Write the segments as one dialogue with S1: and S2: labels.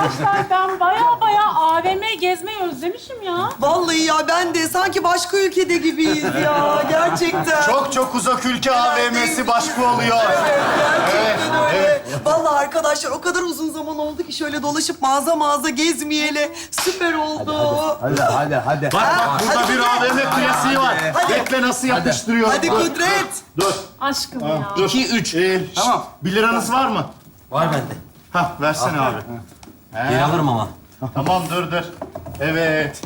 S1: Arkadaşlar ben baya AVM gezmeyi özlemişim ya.
S2: Vallahi ya ben de sanki başka ülkede gibiyiz ya. Gerçekten.
S3: Çok uzak ülke AVM'si başka oluyor.
S2: Gerçekten öyle. Vallahi arkadaşlar o kadar uzun zaman oldu ki şöyle dolaşıp mağaza gezmeyeli. Süper oldu.
S4: Hadi.
S3: Bak burada bir AVM klasiği var. Bekle nasıl yapıştırıyorum.
S2: Hadi Kudret.
S3: Dur.
S1: Aşkım ya.
S3: 2, 3. Tamam. 1 liranız var mı?
S4: Var bende.
S3: Hah, versene abi.
S4: Geri alırım ama.
S3: Tamam, dur. Evet.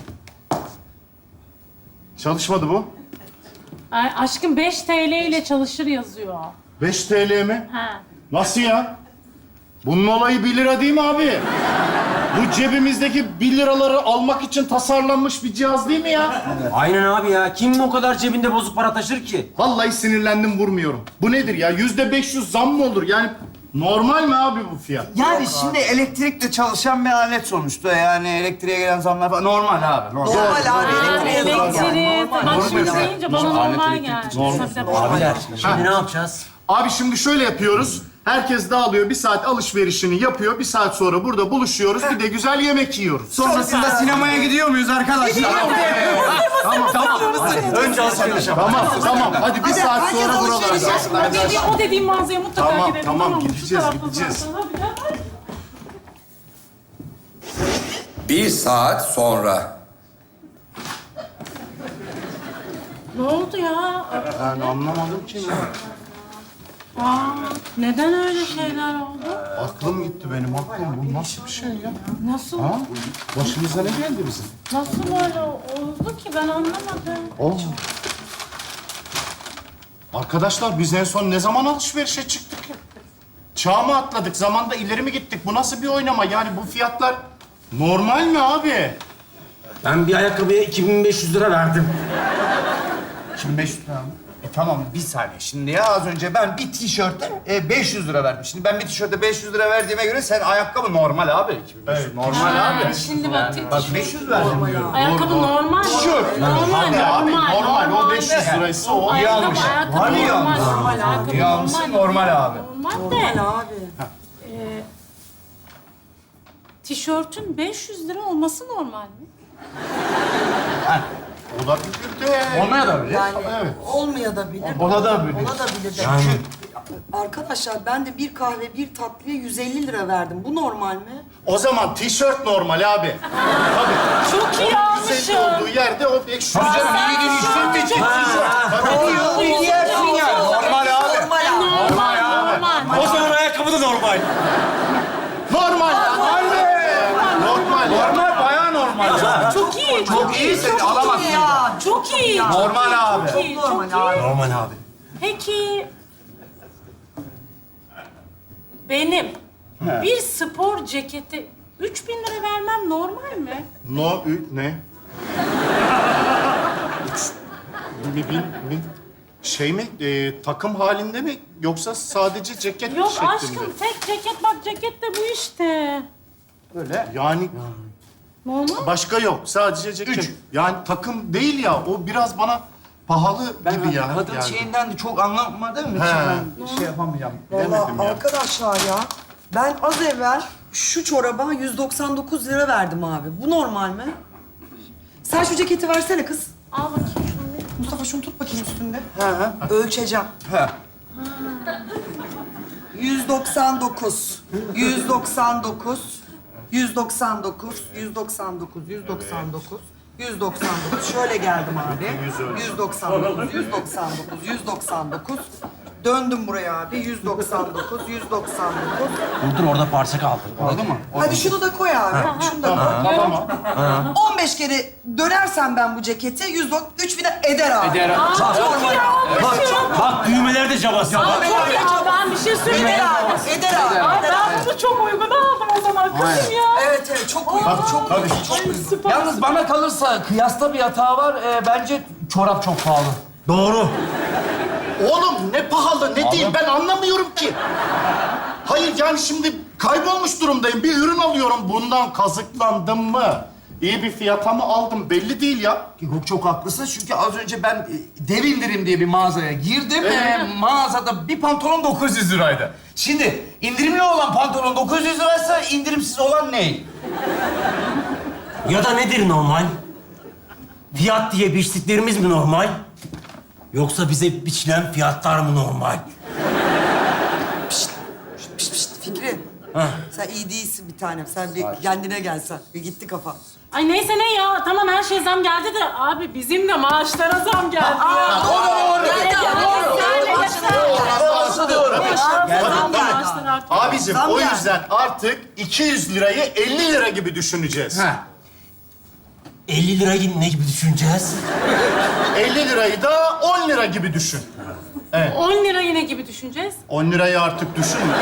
S3: Çalışmadı bu.
S1: Ay, aşkım 5 TL ile çalışır yazıyor.
S3: 5 TL mi?
S1: Ha.
S3: Nasıl ya? Bunun olayı 1 lira değil mi abi? Bu cebimizdeki 1 liraları almak için tasarlanmış bir cihaz değil mi ya?
S4: Aynen abi ya. Kim o kadar cebinde bozuk para taşır ki?
S3: Vallahi sinirlendim, vurmuyorum. Bu nedir ya? %500 zam mı olur? Yani normal mi abi bu fiyat?
S5: Yani şimdi elektrikle çalışan bir alet sonuçta. Yani elektriğe gelen zamlar falan normal abi. Normal.
S2: Normal abi. elektriğe zam yani.
S1: Elektrik. Bak şimdi deyince bana normal geldi.
S4: Abiler, şimdi ne yapacağız?
S3: Abi şimdi şöyle yapıyoruz. Herkes dağılıyor, 1 saat alışverişini yapıyor. 1 saat sonra burada buluşuyoruz. Bir de güzel yemek yiyoruz.
S5: Sonrasında sinemaya gidiyor muyuz arkadaşlar?
S3: Tamam.
S4: Önce alışveriş
S3: Tamam. Hadi 1 saat
S2: herkes
S3: sonra
S2: alışveriş
S3: buralardayız.
S1: O dediğim mağazaya mutlaka gidelim.
S3: Tamam.
S1: mı? Şu
S3: Gideceğiz.
S1: tarafta zaten. Hadi.
S6: 1 saat sonra.
S1: Ne oldu ya?
S3: Ben anlamadım ki ne.
S1: Neden öyle şeyler oldu?
S3: Aklım gitti benim, aklım. Bu nasıl bir şey ya?
S1: Nasıl?
S3: Ha? Başımıza ne geldi bizim?
S1: Nasıl böyle oldu ki ben anlamadım.
S3: Oo. Arkadaşlar biz en son ne zaman alışverişe çıktık ya? Çağ mı atladık, zamanda ileri mi gittik? Bu nasıl bir oynama? Yani bu fiyatlar normal mi abi?
S4: Ben bir ayakkabıya 2500 lira verdim.
S5: 2500 lira mı? Tamam bir saniye şimdi ya az önce ben bir tişörte 500 lira verdim. Şimdi ben bir tişörte 500 lira verdiğime göre sen ayakkabı normal abi. 2500 normal abi.
S1: Şimdi bak,
S5: Bak 500 verdim diyorum.
S1: ayakkabı normal.
S3: Tişört.
S1: Normal,
S3: Abi
S1: normal.
S3: normal. O 500 liraysa o.
S5: İyi almış.
S1: Ayakkabı
S5: Var iyi
S1: normal.
S5: almış.
S1: Normal, ayakkabı
S5: İyi almışsın, normal abi.
S1: Normal de.
S2: abi.
S1: Tişörtün 500 lira olması normal mi?
S3: Olabilir de.
S5: Olmaya da bilir.
S2: Yani
S3: Evet.
S2: olmaya da bilir.
S5: Ola da bilir.
S2: Ola da bilir. de. Arkadaşlar ben de bir kahve bir tatlıya 150 lira verdim. Bu normal mi?
S3: O zaman tişört normal abi.
S1: Çok iyi
S3: Güzel
S1: almışım.
S3: olduğu yerde o 500 lira.
S5: İyi tişört için. Hadi giyersin yani. Normal abi.
S1: Normal.
S4: O zaman ayakkabı da normal.
S3: Normal ya. Normal ya.
S5: Normal bayağı normal.
S1: Çok iyi.
S5: Çok iyi sen alamazsın.
S2: Ya.
S1: Çok iyi.
S5: Normal abi.
S1: Çok iyi. Çok
S2: Normal
S1: iyi.
S2: abi.
S4: Normal abi.
S1: Peki benim bir spor ceketi 3000 lira vermem normal mi?
S3: Ne? Şey mi? Takım halinde mi? Yoksa sadece ceket
S1: Yok
S3: şeklinde?
S1: aşkım tek ceket bak ceket de bu işte.
S3: Yani
S1: Normal.
S3: başka yok. Sadece ceket. Yani takım değil ya. O biraz bana pahalı gibi ya.
S5: Kadın
S3: yani.
S5: şeyinden de çok anlamadığım için ben şey yapamayacağım.
S3: Demedim
S2: Vallahi
S3: ya.
S2: arkadaşlar ya ben az evvel şu çoraba 199 lira verdim abi. Bu normal mi? Sen şu ceketi versene kız.
S1: Al bakayım şunu.
S2: Mustafa şunu tut bakayım üstünde. Ölçeceğim.
S5: He.
S2: 199, 199, 199, 199, 199, 199. Şöyle geldim abi. 199, 199, 199. Döndüm buraya abi. 199, 199.
S4: Dur orada parça kaldı.
S5: Oldu mu?
S2: Hadi şunu da koy abi. Şunu da koy.
S3: Tamam.
S2: 15 kere dönersem ben bu ceketi 3000 eder abi.
S5: Eder.
S1: Çok iyi almışım.
S4: Bak düğmeler de cabası.
S1: Çok iyi. Ben bir şey
S2: Eder
S1: söyleyeyim.
S2: abi. Eder abi.
S1: Ay ben bunu çok uygun aldım o zaman kızım ya.
S2: Evet çok uygun. Çok uygun.
S1: Ay süper.
S5: Yalnız bana kalırsa kıyasta bir hata var. Bence çorap çok pahalı.
S4: Doğru.
S3: Oğlum ne pahalı ne değil ben anlamıyorum ki. Hayır yani şimdi kaybolmuş durumdayım. Bir ürün alıyorum. Bundan kazıklandım mı? İyi bir fiyata mı aldım belli değil ya.
S5: Yok çok haklısın çünkü az önce ben dev indirim diye bir mağazaya girdim. Mağazada bir pantolon 900 liraydı. Şimdi indirimli olan pantolon 900 liraysa indirimsiz olan ne?
S4: Ya da nedir normal? Fiyat diye biçtiklerimiz mi normal? Yoksa bize biçilen fiyatlar mı normal?
S2: Pişt, Fikri. Sen iyi değilsin bir tanem. Sen bir kendine gelsen. Bir gitti kafa.
S1: Ay neyse ne ya. Tamam her şey zam geldi de abi bizim de maaşlara zam geldi ya.
S3: Abicim
S2: Zam
S3: o
S2: geldi.
S3: yüzden artık 200 lirayı 50 lira gibi düşüneceğiz.
S4: 50 lirayı ne gibi düşüneceğiz?
S3: 50 lirayı da 10 lira gibi düşün.
S1: 10 lira yine gibi düşüneceğiz.
S3: 10 lirayı artık düşünme.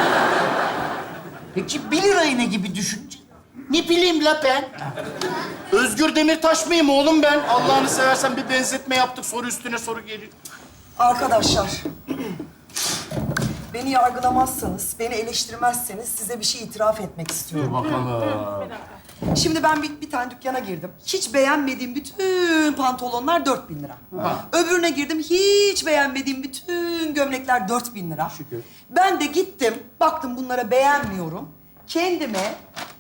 S5: Peki 1 lirayı ne gibi düşünce?
S3: Ne bileyim la ben. Özgür Demirtaş mıyım oğlum ben? Allah'ını seversen bir benzetme yaptık, soru üstüne soru geliyor.
S2: Arkadaşlar, beni yargılamazsanız, beni eleştirmezseniz size bir şey itiraf etmek istiyorum. Şimdi ben bir tane dükkana girdim. Hiç beğenmediğim bütün pantolonlar 4.000 lira. Öbürüne girdim, hiç beğenmediğim bütün gömlekler 4.000 lira.
S3: Şükür.
S2: Ben de gittim, baktım bunlara beğenmiyorum. Kendime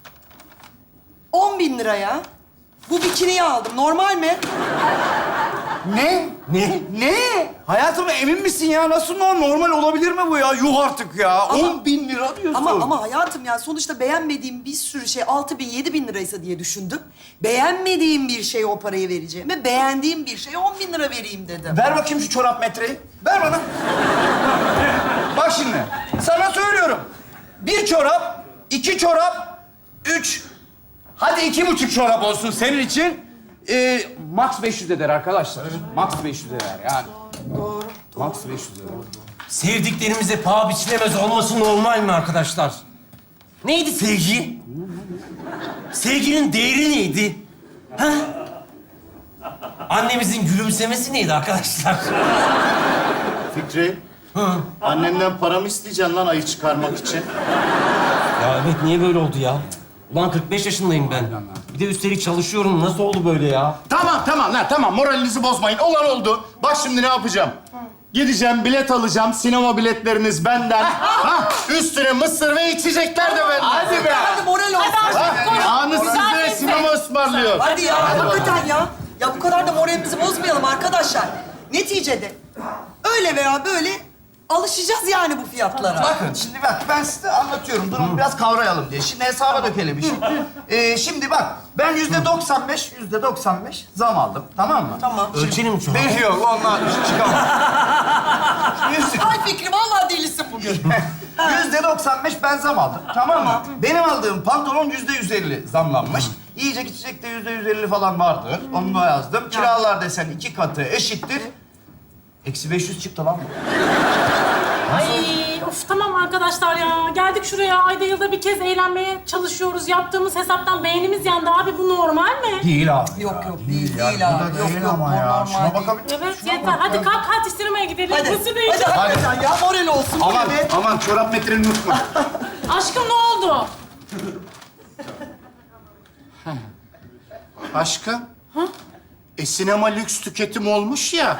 S2: 10.000 liraya bu bikiniyi aldım. Normal mi?
S5: Ne? Ne? Hayatım emin misin ya? Nasıl normal olabilir mi bu ya? Yuh artık ya. 10.000 lira diyorsun.
S2: Ama hayatım yani sonuçta beğenmediğim bir sürü şey 6.000, 7.000 liraysa diye düşündüm. Beğenmediğim bir şeye o parayı vereceğime beğendiğim bir şeye 10.000 lira vereyim dedim.
S5: Ver bakayım şu çorap metreyi. Ver bana. Bak şimdi. Sana söylüyorum. 1 çorap, 2 çorap, 3... Hadi 2,5 çorap olsun senin için. Max 500 eder arkadaşlar. Max 500 eder yani.
S2: Doğru.
S5: Max 500 eder.
S4: Sevdiklerimize paha biçilemez olması normal mi arkadaşlar? Neydi sevgi? Sevginin değeri neydi? Ha? Annemizin gülümsemesi neydi arkadaşlar?
S3: Fikri, annenden para mı isteyeceksin lan ayı çıkarmak için?
S4: Ya evet, niye böyle oldu ya? Ulan 45 yaşındayım ben. Bir de üstelik çalışıyorum. Nasıl oldu böyle ya?
S3: Tamam lan tamam, moralinizi bozmayın. Olan oldu. Bak şimdi ne yapacağım? Gideceğim, bilet alacağım. Sinema biletleriniz benden. Üstüne mısır ve içecekler de benden.
S5: Hadi be.
S2: Hadi moral olsun.
S3: Anı size sinema ısmarlıyor.
S2: Hadi ya, hakikaten ya. Ya bu kadar da moralimizi bozmayalım arkadaşlar. Neticede öyle veya böyle alışacağız yani bu fiyatlara.
S5: Bakın şimdi bak ben size anlatıyorum. Durumu biraz kavrayalım diye. Şimdi hesaba dökelim işi. Şimdi bak ben %95 zam aldım. Tamam mı?
S2: Tamam.
S4: Ölçelim mi şu an?
S5: Bir yok onunla çıkamam.
S2: Ay Fikri, vallahi delisin bugün.
S5: %95 ben zam aldım. Tamam mı? Benim aldığım pantolon %150 zamlanmış. Yiyecek içecek de %150 falan vardır. Onu da yazdım. Kiralar desen 2 katı eşittir. Eksi 500 çıktı lan bu.
S1: Ay of tamam arkadaşlar ya. Geldik şuraya ayda yılda bir kez eğlenmeye çalışıyoruz. Yaptığımız hesaptan beynimiz yandı abi. Bu normal mi?
S5: Değil abi.
S2: Yok değil
S5: Ya,
S2: abi.
S5: bu da
S2: Yok
S5: değil
S2: yok,
S5: ama
S2: bu
S5: ya.
S2: normal
S5: Şuna
S2: değil.
S5: bakabilir
S1: Evet yeter. Hadi kalk atıştırmaya gidelim.
S2: Hadi,
S1: Mısır da
S2: hadi
S1: yiyeceğiz.
S2: hakikaten ya, moral olsun.
S3: Aman,
S2: Hadi.
S3: aman çorap metrenin unutma.
S1: Aşkım ne oldu?
S3: Aşkım. Sinema lüks tüketim olmuş ya.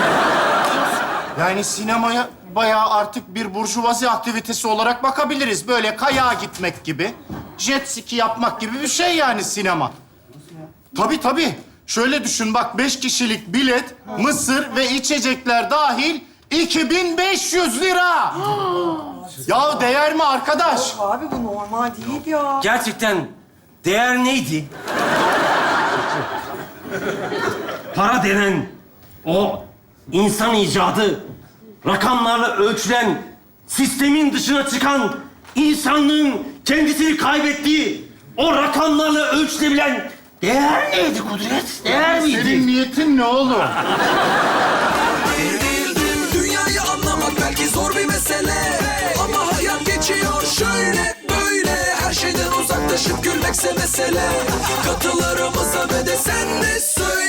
S3: Yani sinemaya bayağı artık bir burjuvazi aktivitesi olarak bakabiliriz. Böyle kayağa gitmek gibi, jet ski yapmak gibi bir şey yani sinema. Tabii. Şöyle düşün bak, 5 kişilik bilet, mısır ve içecekler dahil 2500 lira. Ya değer mi arkadaş?
S2: Abi bu normal değil ya.
S4: Gerçekten değer neydi? Para denen o insan icadı, rakamlarla ölçülen, sistemin dışına çıkan, insanlığın kendisini kaybettiği, o rakamlarla ölçülebilen değer neydi Kudret? Değer miydi?
S3: Senin niyetin ne oğlum?
S7: Dünyayı anlamak belki zor bir mesele, ama hayat geçiyor şöyle böyle. Her şeyden uzaklaşıp gülmekse mesele. Katılarımıza ve de sen de söyle.